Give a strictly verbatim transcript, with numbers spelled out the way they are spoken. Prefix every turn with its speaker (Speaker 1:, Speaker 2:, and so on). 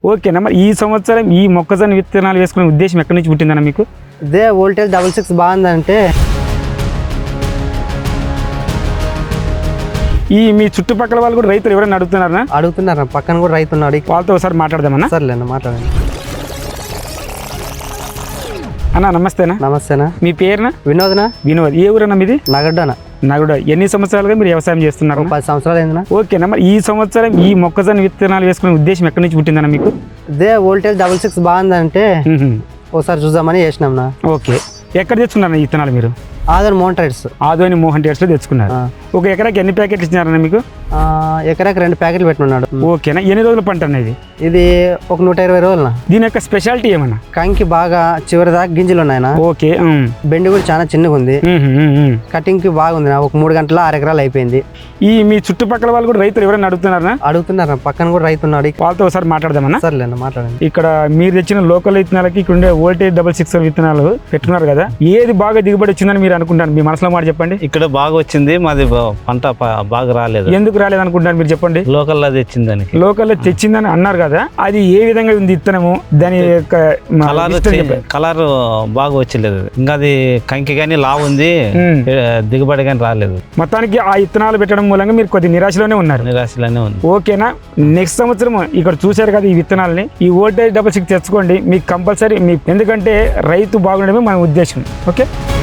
Speaker 1: ఓకేనా, మరి ఈ సంవత్సరం ఈ మొక్కజొన్న విత్తనాలు వేసుకునే ఉద్దేశం ఎక్కడి నుంచి పుట్టిందన్న మీకు?
Speaker 2: ఇదే వోల్టేజ్ డబల్ సిక్స్ బాగుందంటే
Speaker 1: ఈ మీ చుట్టుపక్కల వాళ్ళు కూడా రైతులు ఎవరైనా అడుగుతున్నారా?
Speaker 2: అడుగుతున్నారు, పక్కన కూడా రైతు ఉన్నాడు.
Speaker 1: వాళ్ళతో ఒకసారి మాట్లాడదామన్నా.
Speaker 2: సర్లేండి మాట్లాడండి.
Speaker 1: అన్న నమస్తేనా.
Speaker 2: నమస్తేనా.
Speaker 1: మీ పేరునా?
Speaker 2: వినోదనా.
Speaker 1: వినోద్. ఏ ఊరన్నా మీది?
Speaker 2: నగడ్డనా.
Speaker 1: నగడ. ఎన్ని సంవత్సరాలుగా మీరు వ్యవసాయం చేస్తున్నారు?
Speaker 2: పది సంవత్సరాలు అయిందినా.
Speaker 1: ఓకేనా, మరి ఈ సంవత్సరం ఈ మొక్కజొన్న విత్తనాలు వేసుకునే ఉద్దేశం ఎక్కడి నుంచి పుట్టిందన్న మీకు?
Speaker 2: ఇదే వోల్టేజ్ డబల్ సిక్స్ బాగుందంటే ఒకసారి చూద్దామని చేసినాంనా.
Speaker 1: ఓకే, ఎక్కడ తెచ్చుకున్నారన్న ఈ విత్తనాలు మీరు?
Speaker 2: ఆదర్ మోహన్ ట్రేడ్స్.
Speaker 1: ఆదోని మోహన్ ట్రేడ్స్ లో తెచ్చుకున్నారు. ఒక ఎకరాకి ఎన్ని ప్యాకెట్లు ఇచ్చినారన్న మీకు?
Speaker 2: ఎకరాకి రెండు ప్యాకెట్లు పెట్టుకున్నాడు.
Speaker 1: ఓకేనా, ఎన్ని రోజుల పంట అనేది?
Speaker 2: ఇది ఒక నూట ఇరవై రోజులనా.
Speaker 1: దీని యొక్క స్పెషాలిటీ ఏమన్నా?
Speaker 2: కంకి బాగా చివరి దాకా గింజలు ఉన్నాయన.
Speaker 1: ఓకే.
Speaker 2: బెండి కూడా చాలా చిన్నగా ఉంది. కటింగ్ కి బాగుంది. ఒక మూడు గంటల ఆరు ఎకరాలు అయిపోయింది.
Speaker 1: ఈ మీ చుట్టుపక్కల వాళ్ళు కూడా రైతులు ఎవరైనా అడుగుతున్నారా?
Speaker 2: అడుగుతున్నారు, పక్కన కూడా రైతు ఉన్నాడు.
Speaker 1: వాళ్ళతో ఒకసారి మాట్లాడదామన్నా.
Speaker 2: సర్లేండి మాట్లాడండి.
Speaker 1: ఇక్కడ మీరు తెచ్చిన లోకల్ విత్తనాలకి ఇక్కడ ఉండే వోల్టేజ్ డబల్ సిక్స్ విత్తనాలు పెట్టుకున్నారు కదా, ఏది బాగా దిగుబడి వచ్చిందని మీరు అనుకుంటారు? మీ మనసులో మాట చెప్పండి.
Speaker 3: ఇక్కడ బాగా వచ్చింది, మాది పంట బాగా రాలేదు.
Speaker 1: ఎందుకు రాలేదు అనుకుంటారు మీరు చెప్పండి?
Speaker 3: లోకల్ లో తెచ్చిందని.
Speaker 1: లోకల్ లో తెచ్చిందని అన్నారు కదా, అది ఏ విధంగా ఉంది విత్తనము? దాని యొక్క
Speaker 3: కలర్ బాగా వచ్చలేదు. ఇంకా అది కంకి కానీ లావు ఉంది, దిగుబడి కానీ రాలేదు.
Speaker 1: మొత్తానికి ఆ విత్తనాలు పెట్టడం మూలంగా మీరు కొద్ది నిరాశలోనే ఉన్నారు.
Speaker 3: నిరాశలోనే ఉంది.
Speaker 1: ఓకేనా, నెక్స్ట్ సంవత్సరం ఇక్కడ చూశారు కదా ఈ విత్తనాలని, ఈ వోల్టేజ్ డబల్ సిక్స్ తెచ్చుకోండి. మీకు కంపల్సరీ మీ, ఎందుకంటే రైతు బాగుండడమే మన ఉద్దేశం. ఓకే.